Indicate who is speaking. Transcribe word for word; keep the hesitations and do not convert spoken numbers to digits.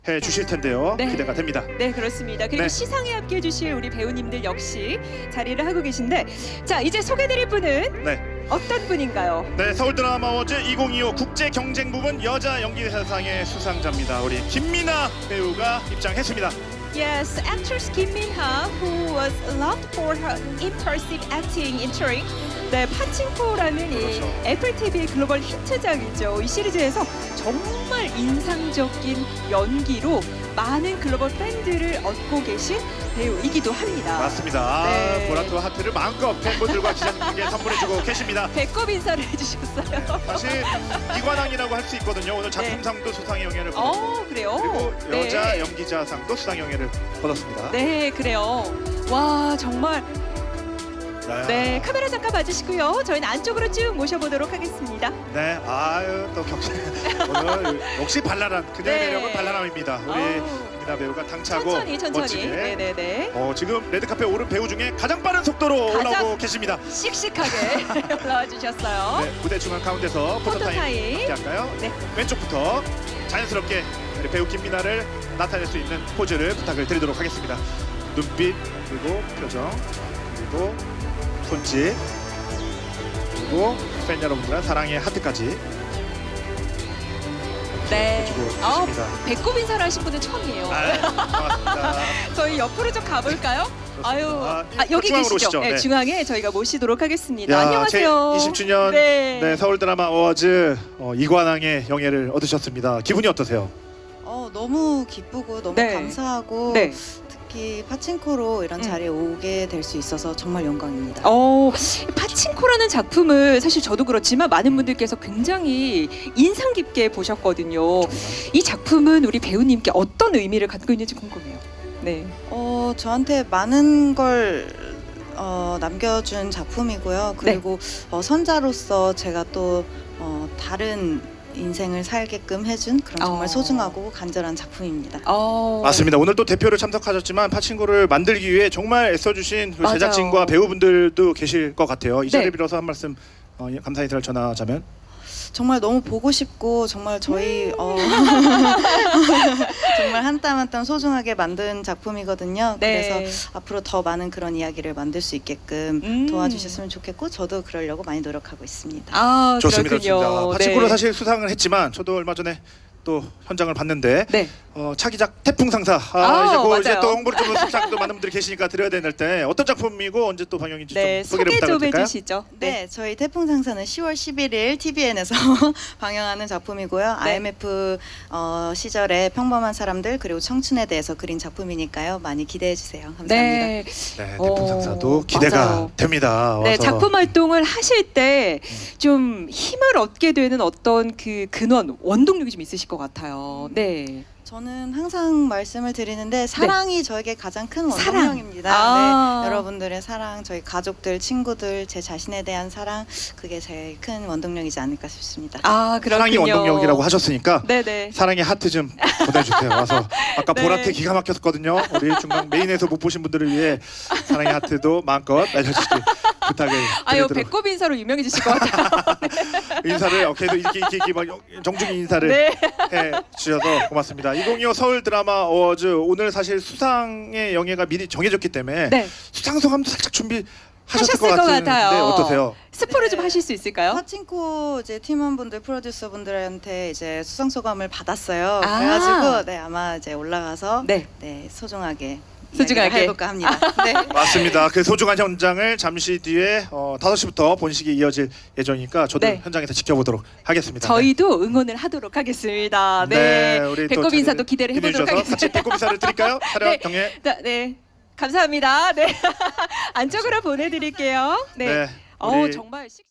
Speaker 1: 해 주실 텐데요.
Speaker 2: 네.
Speaker 1: 기대가 됩니다.
Speaker 2: 네, 그렇습니다. 그리고
Speaker 1: 네.
Speaker 2: 시상에 함께 해주실 우리 배우님들 역시 자리를 하고 계신데, 자, 이제 소개드릴 분은
Speaker 1: 네.
Speaker 2: 어떤 분인가요?
Speaker 1: 네, 서울 드라마 어워즈 이천이십오 국제 경쟁 부분 여자 연기대상의 수상자입니다. 우리 김미나 배우가 입장했습니다.
Speaker 2: Yes, actress Kim Min-ha, who was loved for her impressive acting in Turing. 네, 파친코라는 이
Speaker 1: 그렇죠.
Speaker 2: 애플 티비의 글로벌 히트작이죠. 이 시리즈에서 정말 인상적인 연기로 많은 글로벌 팬들을 얻고 계신 배우이기도 합니다.
Speaker 1: 맞습니다.
Speaker 2: 네.
Speaker 1: 아, 보라트와 하트를 마음껏 팬분들과 기자님께 선물해주고 계십니다.
Speaker 2: 배꼽 인사를 해주셨어요.
Speaker 1: 사실 이관왕이라고 할 수 있거든요. 오늘 작품상도 수상의 영예를 받았고
Speaker 2: 어, 그래요?
Speaker 1: 그리고 여자
Speaker 2: 네.
Speaker 1: 연기자상도 수상 영예를 받았습니다.
Speaker 2: 네, 그래요. 와, 정말.
Speaker 1: 야.
Speaker 2: 네, 카메라 잠깐 봐주시고요. 저희는 안쪽으로 쭉 모셔보도록 하겠습니다.
Speaker 1: 네, 아유 또 격식 오늘 역시 발랄한 그녀의
Speaker 2: 네.
Speaker 1: 매력은 발랄함입니다. 우리
Speaker 2: 아우.
Speaker 1: 미나 배우가 당차고
Speaker 2: 천천히, 천천히.
Speaker 1: 멋지게
Speaker 2: 네네네.
Speaker 1: 어, 지금 레드카페 오른 배우 중에 가장 빠른 속도로
Speaker 2: 가장-
Speaker 1: 올라오고 계십니다.
Speaker 2: 씩씩하게 올라와 주셨어요.
Speaker 1: 네, 무대 중앙 가운데서 포토타임
Speaker 2: 포토타임.
Speaker 1: 함께 할까요?
Speaker 2: 네.
Speaker 1: 왼쪽부터 자연스럽게 우리 배우 김미나를 나타낼 수 있는 포즈를 부탁을 드리도록 하겠습니다. 눈빛 그리고 표정 그리고 손짓 그리고 팬 여러분들의 사랑의 하트까지
Speaker 2: 네.
Speaker 1: 해주고
Speaker 2: 어,
Speaker 1: 계십니다.
Speaker 2: 배꼽 인사를 하신 분은 처음이에요.
Speaker 1: 아, 반갑습니다.
Speaker 2: 저희 옆으로 좀 가볼까요? 아유,
Speaker 1: 아,
Speaker 2: 아, 여기
Speaker 1: 중앙으로
Speaker 2: 계시죠?
Speaker 1: 오시죠.
Speaker 2: 네,
Speaker 1: 네.
Speaker 2: 중앙에 저희가 모시도록 하겠습니다.
Speaker 1: 야,
Speaker 2: 안녕하세요.
Speaker 1: 제 이십 주년
Speaker 2: 네.
Speaker 1: 네, 서울 드라마 어워즈 어, 이관왕의 영예를 얻으셨습니다. 기분이 어떠세요?
Speaker 3: 어, 너무 기쁘고 너무
Speaker 2: 네.
Speaker 3: 감사하고
Speaker 2: 네.
Speaker 3: 특히 파친코로 이런
Speaker 2: 음.
Speaker 3: 자리에 오게 될 수 있어서 정말 영광입니다.
Speaker 2: 어, 파친코라는 작품을 사실 저도 그렇지만 많은 분들께서 굉장히 인상 깊게 보셨거든요. 이 작품은 우리 배우님께 어떤 의미를 갖고 있는지 궁금해요. 네.
Speaker 3: 어, 저한테 많은 걸 어, 남겨준 작품이고요. 그리고 어, 선자로서 제가 또 어, 다른 인생을 살게끔 해준 그런 정말
Speaker 2: 어.
Speaker 3: 소중하고 간절한 작품입니다.
Speaker 2: 어.
Speaker 1: 맞습니다. 오늘 또 대표를 참석하셨지만 파친코를 만들기 위해 정말 애써주신 그
Speaker 2: 맞아요.
Speaker 1: 제작진과 배우분들도 계실 것 같아요. 이 자리를
Speaker 2: 네.
Speaker 1: 빌어서 한 말씀 어, 감사 인사를 전하자면
Speaker 3: 정말 너무 보고 싶고 정말 저희 어, 정말 한 땀 한 땀 소중하게 만든 작품이거든요.
Speaker 2: 네.
Speaker 3: 그래서 앞으로 더 많은 그런 이야기를 만들 수 있게끔
Speaker 2: 음.
Speaker 3: 도와주셨으면 좋겠고 저도 그러려고 많이 노력하고 있습니다.
Speaker 2: 아,
Speaker 1: 좋습니다.
Speaker 2: 그렇군요.
Speaker 1: 좋습니다. 파친코로
Speaker 2: 네.
Speaker 1: 사실 수상을 했지만 저도 얼마 전에 또 현장을 봤는데
Speaker 2: 네.
Speaker 1: 어, 차기작 태풍상사 아,
Speaker 2: 아,
Speaker 1: 이제, 그
Speaker 2: 맞아요.
Speaker 1: 이제 또 홍보를 좀 시작도 많은 분들이 계시니까 드려야 될 때 어떤 작품이고 언제 또 방영인지
Speaker 2: 네,
Speaker 1: 좀 소개를
Speaker 2: 소개
Speaker 1: 부탁을
Speaker 2: 좀
Speaker 1: 드릴까요?
Speaker 2: 해주시죠.
Speaker 3: 네, 저희 태풍 상사는 시월 십일일 티비엔에서 방영하는 작품이고요.
Speaker 2: 네.
Speaker 3: 아이엠에프 어, 시절의 평범한 사람들 그리고 청춘에 대해서 그린 작품이니까요. 많이 기대해 주세요. 감사합니다.
Speaker 2: 네.
Speaker 1: 네,
Speaker 2: 어,
Speaker 1: 태풍상사도 기대가
Speaker 2: 맞아요.
Speaker 1: 됩니다.
Speaker 2: 네,
Speaker 1: 와서.
Speaker 2: 작품 활동을 하실 때 좀 힘을 얻게 되는 어떤 그 근원, 원동력이 좀 있으실 것 같아요. 네.
Speaker 3: 저는 항상 말씀을 드리는데 사랑이 저에게 가장 큰
Speaker 2: 사랑.
Speaker 3: 원동력입니다.
Speaker 2: 아.
Speaker 3: 네, 여러분들의 사랑, 저희 가족들, 친구들, 제 자신에 대한 사랑 그게 제일 큰 원동력이지 않을까 싶습니다.
Speaker 2: 아, 그렇군요.
Speaker 1: 사랑이 원동력이라고 하셨으니까
Speaker 2: 네네.
Speaker 1: 사랑의 하트 좀 보내주세요. 와서 아까
Speaker 2: 네.
Speaker 1: 보라트 기가 막혔거든요. 우리 중간 메인에서 못 보신 분들을 위해 사랑의 하트도 마음껏 날려주시기 부탁을
Speaker 2: 아유,
Speaker 1: 드리도록
Speaker 2: 배꼽 인사로 유명해지실 것 같아요.
Speaker 1: 인사를 어깨도 이렇게 이렇게, 이렇게 막 정중히 인사를
Speaker 2: 네.
Speaker 1: 해 주셔서 고맙습니다. 이천이십오 서울 드라마 어워즈 오늘 사실 수상의 영예가 미리 정해졌기 때문에
Speaker 2: 네.
Speaker 1: 수상 소감도 살짝 준비하셨을
Speaker 2: 하셨을
Speaker 1: 것
Speaker 2: 것
Speaker 1: 같은데
Speaker 2: 같아요.
Speaker 1: 어떠세요?
Speaker 2: 스포를
Speaker 3: 네.
Speaker 2: 좀 하실 수 있을까요?
Speaker 3: 파친코 이제 팀원분들, 프로듀서분들한테 이제 수상 소감을 받았어요.
Speaker 2: 아.
Speaker 3: 그래가지고 네 아마 이제 올라가서
Speaker 2: 네.
Speaker 3: 네, 소중하게
Speaker 2: 소중하게.
Speaker 3: 이야기를 해볼까 합니다. 네.
Speaker 1: 맞습니다. 그 소중한 현장을 잠시 뒤에 어, 다섯 시부터 본식이 이어질 예정이니까 저도
Speaker 2: 네.
Speaker 1: 현장에서 지켜보도록 하겠습니다.
Speaker 2: 저희도 응원을 하도록 하겠습니다. 네.
Speaker 1: 우리 또
Speaker 2: 배꼽
Speaker 1: 자리를
Speaker 2: 인사도 기대를 해보도록
Speaker 1: 기대해 주셔서
Speaker 2: 하겠습니다.
Speaker 1: 같이 배꼽 인사를 드릴까요? 촬영
Speaker 2: 네.
Speaker 1: 경례.
Speaker 2: 자, 네. 감사합니다. 네. 안쪽으로 보내드릴게요. 네.
Speaker 1: 네.
Speaker 2: 어,
Speaker 1: 우리
Speaker 2: 정말 씩